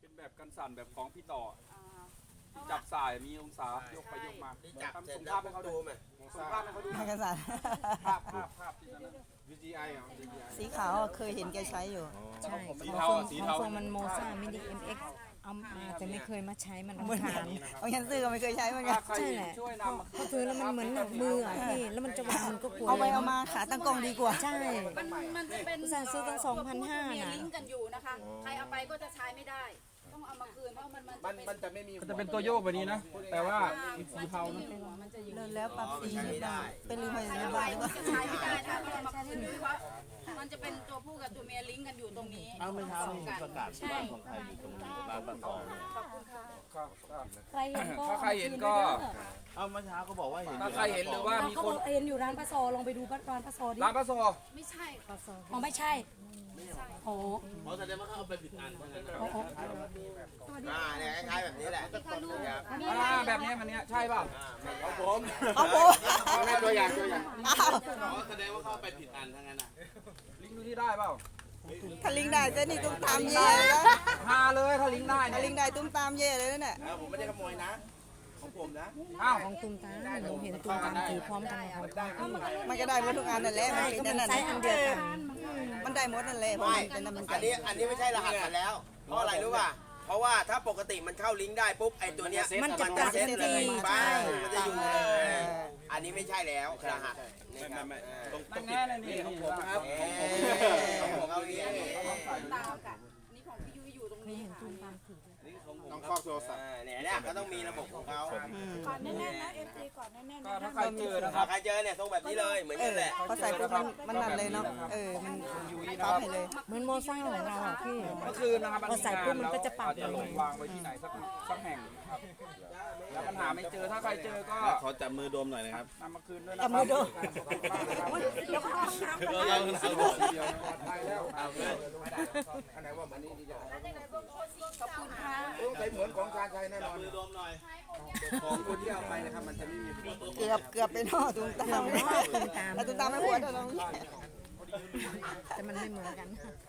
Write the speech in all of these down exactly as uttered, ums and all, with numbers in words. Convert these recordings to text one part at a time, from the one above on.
เป็นแบบกันสั่นแบบของพี่ต่อจับสายมีองศายกไปยกมาทำส่งภาพให้เขาดูไหมส่งภาพให้เขาดูกันสั่นภาพภาพภาพที่นั้นวี จี ไอ เหรอ วี จี ไอสีขาวอะเคยเห็นแกใช้อยู่ใช่สีของเทาโฟมสีของเทาโฟมมันโมซ่ามินิเอ็มเอ็กซ์เอามาแต่ไม่เคยมาใช้มันเหมือนผ่านเอายันซื้อก็ไม่เคยใช้เหมือนกันถ้าใครใช่แหละช่วยนำมาพอถือแล้วมันเหมือนหนักมืออ่ะพี่แล้วมันจะวางมันก็กลัวเอาไปเอามาขาตั้งกล้องดีกว่าใช่มันมันจะเป็นอุตส่าห์ซื้อตั้งตัวผู้สองพันห้าตัวเมียน่ะลิงก์กันอยู่นะคะ ใครเอาไปก็จะใช้ไม่ได้ ต้องเอามาคืนเพราะมันมันมันจะมันจะไม่มีมันจะเป็นตัวโยกแบบนี้นะ แต่ว่าเป็นสีเทานะมันจะอยู่เลยแล้วปรับสีได้เป็นลืมไปใครในเอาบ้าไปนหรือเปก็ล่าจะใช้ไม่ได้ถ้าเราเอามาคืนเพราะมันจะเป็นตัวผู้กับตัวเมียลิงก์กันอยู่ตรงนี้เอาเมื่อเช้ามีประกาศบ้านของใครอยู่ตรงร้านปลาตองครับครับใครเห็นก็ถ้าใครเห็นก็เอาเมื่อเช้าก็บอกว่าเห็นถ้าใครเห็นหรือว่ามีเขาคบอน กเห็นอยู่ร้านปลาซอลองไปดูร้านปลาซอดิร้านปลาโซไม่ใช่อ๋อไม่ใช่โอ้เพราะแสดงว่าเขาเอาไปผิดอันเพราะงั้นโอ้โอ้อ่าเนี่ยคล้ายๆแบบนี้แหละอ่าแบบนี้มันเนี้ยใช่เปล่าของผมเอาโบเอาแม่ตัวอย่างตัวอย่างอ้าวเพราะแสดงว่าเขาเอาไปผิดอันทั้งนั้นอ่ะลิงก์ดูที่ได้เปล่าถ้าลิงได้เส้นนี่ตุ้มตามเย่เลยนะฮาเลยถ้าลิงก์ได้ถ้าลิเนี่ยงได้ตุ้มตามเย่เลยนั่นแหละแล้วผมไม่ได้ขโมยนะ ของผมนะอ้าวของตุมตามหนูเห็นตุมตามถือพร้อมกันของเขามันก็ได้หมดทุกอันนั่นแหละใช่มันก็เป็นมันนั่นไซน่ะส์อันเดียวกันมันได้หมดนั่นแหละเพราะไม่มันเป็นน้ำมันอันนี้อันนี้ไม่ใช่รหัสกันแล้ว เพราะอะไรรู้ป่ะ เพราะว่าถ้าปกติมันเข้าลิงก์ได้ปุ๊บไอ้ตัวเนี้ยมันจะกลับเซ็ตทันเลทียใช่บ้างมันจะอยู่เลย อันนี้ไม่ใช่แล้วรหัสนี่ครับนั่นแน่เลยนี่ของผมครับเอ๊ะของเอาเนี้ยตามกับอันนี้ของพี่ยุ้ยอยู่ตรงนี้ค่ะต้องครอบโทรศัพท์อ่าเนี่ยเนี่ยก็ต้องมีระบบของเขาก่อนแน่นๆนะเอฟซีก่อนแน่นๆก็นะถ้าใครเจอนะคถ้ารับใครเจอเนี่ยทรงแบบนี้เลยเหมือนเอกันอแหละพอใส่ปุ๊บมันมันนั่นเลยเนาะเออมันตอบให้เลยเหมือนโมซ่าของเราอ่ะพี่เมื่อคืนนะครับพอใส่ปุ๊บมันก็จะปรับอาจจะลงวางไว้ที่ไหนสักสักแห่งครับแล้วปัญหาไม่เจอถ้าใครเจอก็ขอจับมือโดมหน่อยนะครับนำมาคืนด้วยนะคจัรับบ มือดูเดี๋ยวเขาต้องน้ำเออเราเราเดี๋ยวปลอดภัยแล้วเอาเลยอันไหนว่ามันนี่ดีจังขอบคุณค่ะต้องใช้เหมือนของการใช้แน่นจับอนมือโดมหน่อยของคนที่เอาไปนะครับมันจะไม่มีเกือบเกือบไปนอตุ้มตามแล้วตุ้มตามไม่หัวเท่านั้นแต่มันไม่เหมือนกัน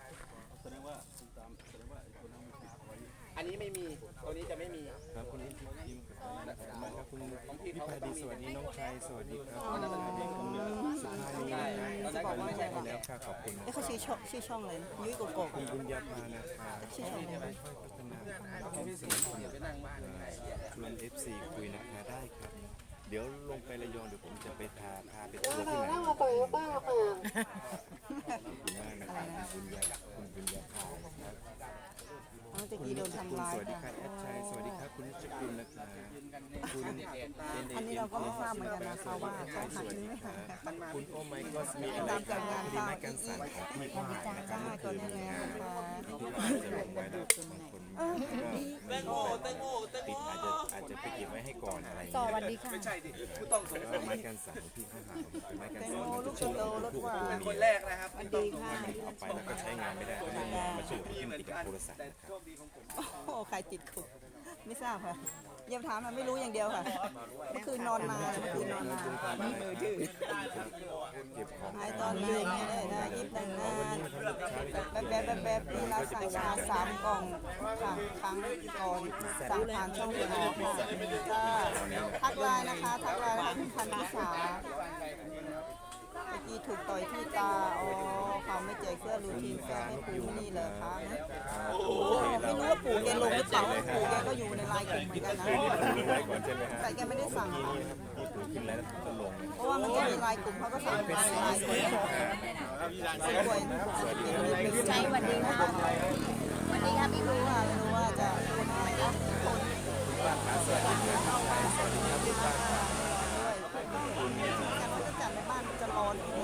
อันนี้ไม่มี ตัวนี้จะไม่มีครับคุณอินทิพย์ทีมครับคุณพี่พาดีสวัสดีน้องชายสวัสดีครับสุภาพนีนะครับไม่ใช่แล้วค่ะขอบคุณนะเอ้เขาชื่อช่องชื่อช่องเลยยุ้ยโกโก้คุณบุญญาภานะครับชื่อช่องอะไรค่อยพัฒนาความสัมพันธ์ชวนเอฟซีคุยนะคะได้ครับ เดี๋ยวลงไประยองเดี๋ยวผมจะไปพาพาไปทัวร์ที่ไหนขอบคุณมากนะครับคุณบุญญาคุณบุญญาภานะครับน้องตะคุณกี้โดนินจทำกุลร้ายสวัสดีครัค่ะบแอดชัยสวัสดีครับคุณนิจกุลนะครับคุณอันนี้เราก็ไม่ทราบเหมือนกันนะคะว่าเขาหักหรือไม่หักค่ะคุณโอไมก็มีอะไรตามจากงานดีตามไหมอีกันกสั่นของพี่ค่ะผ่านนะครับเมื่อตัคืวน นี้แล้วนะคะจะลงไว้แล้วบางคนแตงโมแตงโมปิดอาจจะอาจจะไปเก็บไว้ให้ก่อนอะไรอย่างสเงี้ยวัสดีค่ะไม่ใช่ดิผู้ต้องสงสัยไม้กันสั่นพี่เขาหาเป็นไม้กันแตงสั่นโมมันลูจะกช่วยโตรถหวานคนแรกนะครับสวัสดีค่ะเอาไปแล้วก็ใช้งานไม่ได้ก็เลยมาช่วยพี่ติดกับโทรศัพท์นะครับโอ้ใครติดคุกไม่ทราบค่ะเยี่ยมถามมาไม่รู้อย่างเดียวค่ะเมื่อคืนนอนมาเมื่อคืนนอนมามือถือเก็บของหายตอนไหนไม่ได้นะยิบตั้งนานแบบแบบแบบแบบนี่เราสั่งชาสามกล่องค่ะครั้งก่อนสั่งผ่านช่องทางค่ะก็ทักไลน์นะคะทักไลน์นะคะคุณพันธิสาเมื่อกี้ถูกต่อยที่ตาอ๋อเขาไม่แจกเสื้อรูทีนเสื้อให้ปู่นี่เลยคะไม่รู้ว่าปู่แกลงหรือเปล่าปู่แกก็อยู่ในไลน์กลุ่มเหมือนกันนะไว้ก่อนใช่ไหมฮะแต่แกไม่ได้สั่งค่ะนี่ถูกขึ้นแล้วก็ลงเพราะว่ามันจะมีไลน์กลุ่มเขาก็สั่งในไลน์กลุ่มสวยๆใช่วันดีค่ะวันดีค่ะพี่รู้ค่ะไม่รู้ว่าจะพูดอะไรนะคนบ้านขาสวัสดีเงินสวัสดีครับทุกท่านครับด้วยแต่ว่าจะจัดในบ้านมันจะร้อนนิดนึง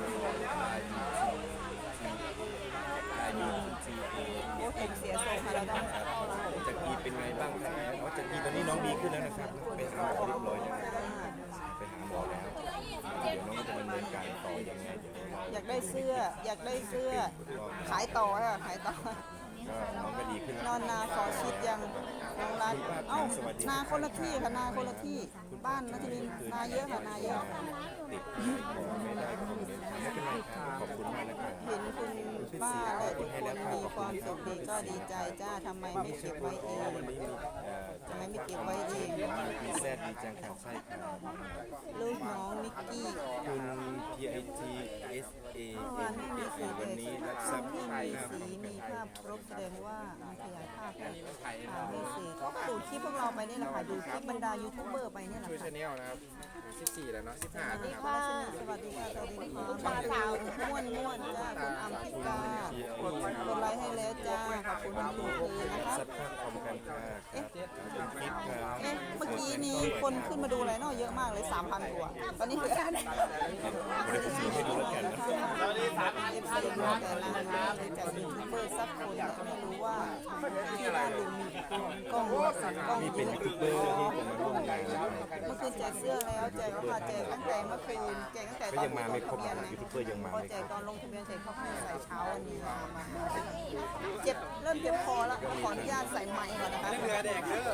อายุสี่ปีโอ้ผมเสียทรงค่ะเราต้องจากกีเป็นไงบ้างครับอ๋อจากกีตอนนี้น้องดีขึ้นแล้วนะครับไปหาหมอเรียบร้อยแล้วไปหาหมอแล้วเดี๋ยวน้องจะดำเนินการต่อยังไงเดี๋ยวเราอยากได้เสื้อ อยากได้เสื้อ ขายต่อค่ะขายต่อก็น้องก็ดีขึ้นนอนนาขอชิดยังน้องรักเอ้านาคนละที่ค่ะนาคนละที่บ้านนะที่นี่นาเยอะค่ะนาเยอะติดไม่ได้ก็คงไม่เป็นไรครับขอบคุณมากนะครับเห็นคุณป้าและทุกคนมีความสุขดีก็ดีใจจ้าทำไมไม่เก็บไว้เองวันนี้มีเอ่อทำไมไม่เก็บไว้เองมีแซดดีจังครับใช่ครับลูกน้องนิกกี้คุณ P I T S A เมื่อวาน N ไม่มี A สีวันนี้รับทส่รัวพนย์ที่ค่ามีขสีองมีภาพครบแสดงว่ามันขยายภาพให้อ่าไม่สีก็ดูคลิปพวกเราไปนี่แหละค่ะดูคลิปบรรดายูทูบเบอร์ไปนี่แหละช่วยค่ะชาแนลนะครับสิบสี่แล้วเนาะสิบห้าสวัสนะดีครับค่ะสวัสดีค่ะสวัสดีค่ะมาดูม่วนม่วนจ้าคุณอัมพิกากดกดไลค์ให้แล้วจ้าขอบคุณคุณคืนนะคะทรัพย์ค่าคอมการค้าครับคุณคิดครับเอ๊ะเมื่อกี้มีคนขึ้นมาดูอะไรเนาะเยอะมากเลยสามพันกว่าตอนนี้เหลือบริษัทให้ดูแล้วกันนะตอนนี้สามพันเอฟซีมาแต่นานมาเลยจากยูทูบเบอร์สักคนแต่ไม่รู้ว่าที่บ้านลุงมีกล้องกล้องนี่เยเป็นอะยูทูบเบอร์ที่ผมมาร่วมงานนะครับเมื่อคืนแจกเสื้อแล้วแจกแล้วค่ะแจกตั้งแต่เมื่อคืนแจกตั้งแต่ก็ตอนยังมาไม่ครบลงทะนะเบียนยูทูบเบอร์ยังมาพอไม่แจครกบตอนลงทะเบียนเสร็จเขาให้ใส่เช้าวันนี้มามาเจ็บเริ่มเจ็บคอแล้วขออนุญาตใส่ไมค์ก่อนนะคะเรือแดกเด้อ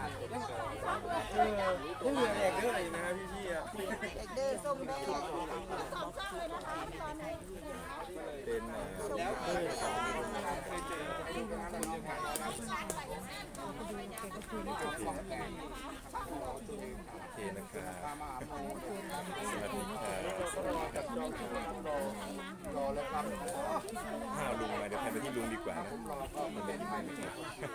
เรือแดกเด้ออะไรนะครับพี่ๆอ่ะเด็กเด้อส้มแดงเป็นเอ่อส้มแดงโอเคนะครับสวัสดีครับสวัสดีครับถ้าลุงมาเดี๋ยวใครไปที่ลุงดีกว่านะมันเป็นยังไงนะครับ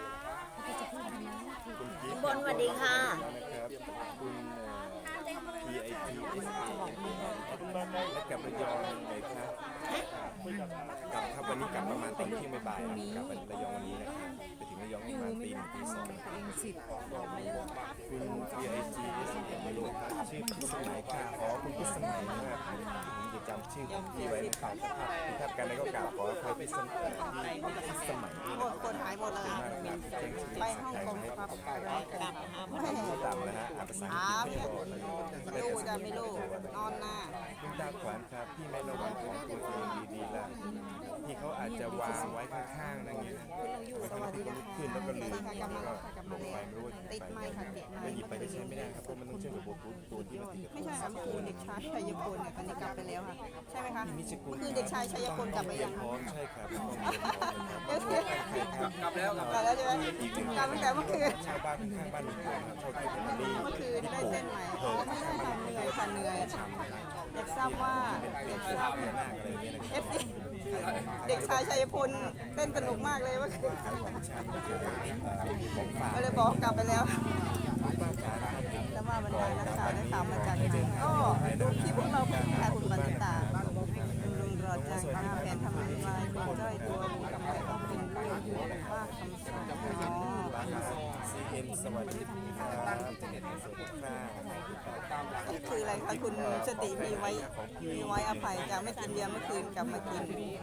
คุณกิ๊ฟบนสวัสดีค่ะนะครับคุณเอ่อ P I T S A และกลับระยองเลยครับกลับครับวันนี้กลับประมาณตอนเที่ยงบ่ายๆนะครับกลับไประยองวันนี้นะครับไปถึงระยองประมาณตีหนึ่งตีสองนะครับสิบคุณ P I T S A มาลงชื่อพิสมัยค่ะอ๋อคุณพิสมัยนะครับผมจะจำชื่อของพี่ไว้นะครับถ้าการใดก็กล่าวขออภัยพิสมัยพิสมัยด้วยโอ้นะคนหายหมดเลยมากครับแจ้งชื่อไปฮ่องกงครับไม่ไม่ต่ำนะฮะอ่านภาษาอังกฤษไม่พอรู้จะไม่รู้นอนหน้าคุณตาขวานครับพี่ไม่ระวังของตัวเองดีๆล่ะที่เขาอาจจะวางไว้ข้างๆนั่นไงสวัสดีค่ะขึ้นแล้วก็ลืมกลับมาแล้วแล้วก็ค่ะกลับลมาง แล้วไปไม่รู้ว่าติดไม้ค่ะติดไม้ไม่หยิบไปก็ใช้ไม่ได้ครับเพราะมันต้องเชื่อมกับบลูทูธตัวที่มันติดกับไม่ใช่ค่ะเมื่อคืนเด็กชายชัยพลเนี่ยตอนนี้กลับไปแล้วค่ะใช่ไหมคะนิชกุลเมื่อคืนเด็กชายชัยพลกลับไปยังพคะร้อมใช่ครับต้องเรียนพร้อมนะครับเดี๋ยวเดี๋ยวกลับแล้วกลับกลับแล้วใช่ไหมกลับตั้งแต่เมื่อคืนชาวบ้านข้างบ้านลุงพลครับชอบที่ผมนี่เมื่อคืนได้เส้นใหม่อ๋อไม่ใช่ค่ะเหนื่อยค่ะเหนื่อยอยากทราบว่าอยากทราบพญานาคอะไรอย่างเงี้ยนะคเอรับฟซีเด็กชายชัยพลเต้นสนุกมากเลยเมื่อคืนชันก็คือของฝากก็เลยบอกกลับไปแล้วบ้านจ๋านะครับแล้วว่าบรรดานักข่าวได้ข่าวมาจากไหนก็ดูคลิปพวกเราค่ะคุณบันทิตาลุงรอจังหน้าแฟนทำลายคุณจ้อยตัวคุณทำไมต้องเป็นลูกว่าคำสั่งอ๋อบ้านซีเอ็นสวัสดีครับอินเทอร์เน็ตในส่วนของข้างคืออะไรคะคุณสติมีไว้มีไว้อภัยจากไม่กินเบียร์เมื่อคืนกลับมากิน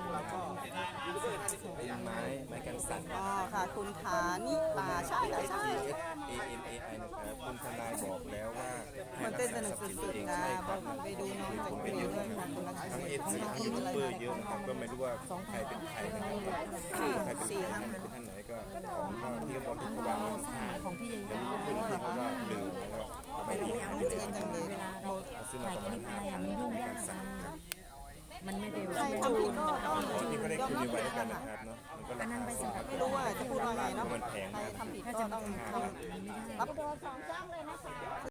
เป็นไม้ไม้กันสั่นอ๋อค่ะคุณฐานิตาใช่ค่ะใช่ T S A N A I นะครับคุณทนายบอกแล้วว่าให้มันรัเต้นกสษานุทกรัพย์สินสุตัวดเองๆนะใช่คบรัอบ กไปดูน้องจากผมเกเป็นรีเยยอะด้วยนะคค่ะรับคุณรักทั้งษาเอฟซีทั้งยูทูบเบอร์เยอะนะครับก็ไม่รู้ว่าใครเป็นใครนะครับใครเป็นใครเป็นท่านไหนก็ของก็ที่เขาบอกที่เขาวางไว้ข้างๆของพี่ใหญ่แล้วนี่ขึ้นที่เขาก็ลืมแล้วก็ไม่ได้ไม่เจนจังเลยเขาซื้อมาประมาณห้าพันในการสั่งครับมันไม่เร็วใครทำผิดก็ต้องที่เขาได้ยอมคุยรับไว้ผิดกันนะนะคะครับเนาะมันก็ราคาสูงครับไม่รู้ว่าจะพูดว่าไงเนาะมันแพงใครครับทำผิดก็ต้องทำรับ